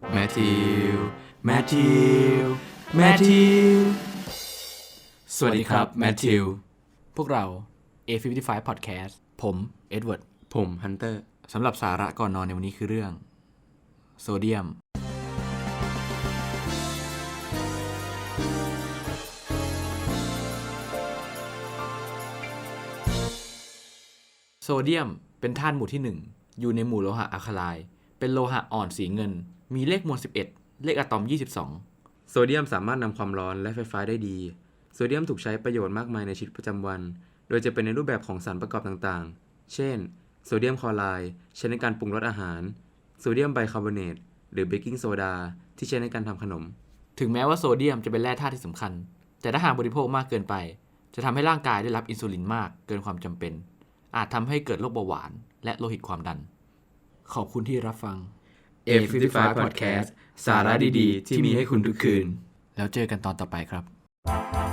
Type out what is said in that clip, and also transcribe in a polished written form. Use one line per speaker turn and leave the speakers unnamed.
แมทธิวแมทธิวแมทธิวสวัสดีครับแมทธิว
พวกเรา A55 Podcast ผมเอ็ดเวิร์ด
ผมฮันเตอร์สำหรับสาระก่อนนอนในวันนี้คือเรื่องโซเดียมโซเดียมเป็นธาตุหมู่ที่ 1อยู่ในหมู่โลหะอะคาไลน์เป็นโลหะอ่อนสีเงินมีเลขมวล11เลขอะตอม22โซเดียมสามารถนำความร้อนและไฟฟ้าได้ดีโซเดียมถูกใช้ประโยชน์มากมายในชีวิตประจำวันโดยจะเป็นในรูปแบบของสารประกอบต่างๆเช่นโซเดียมคลอไรด์ใช้ในการปรุงรสอาหารโซเดียมไบคาร์บอเนตหรือเบกกิ้งโซดาที่ใช้ในการทำขนมถึงแม้ว่าโซเดียมจะเป็นแร่ธาตุที่สำคัญแต่ถ้าหากบริโภคมากเกินไปจะทำให้ร่างกายได้รับอินซูลินมากเกินความจำเป็นอาจทำให้เกิดโรคเบาหวานและโลหิตความดัน
ขอบคุณที่รับฟัง
A55 Podcast สาระดีๆที่มีให้คุณทุกคืน
แล้วเจอกันตอนต่อไปครับ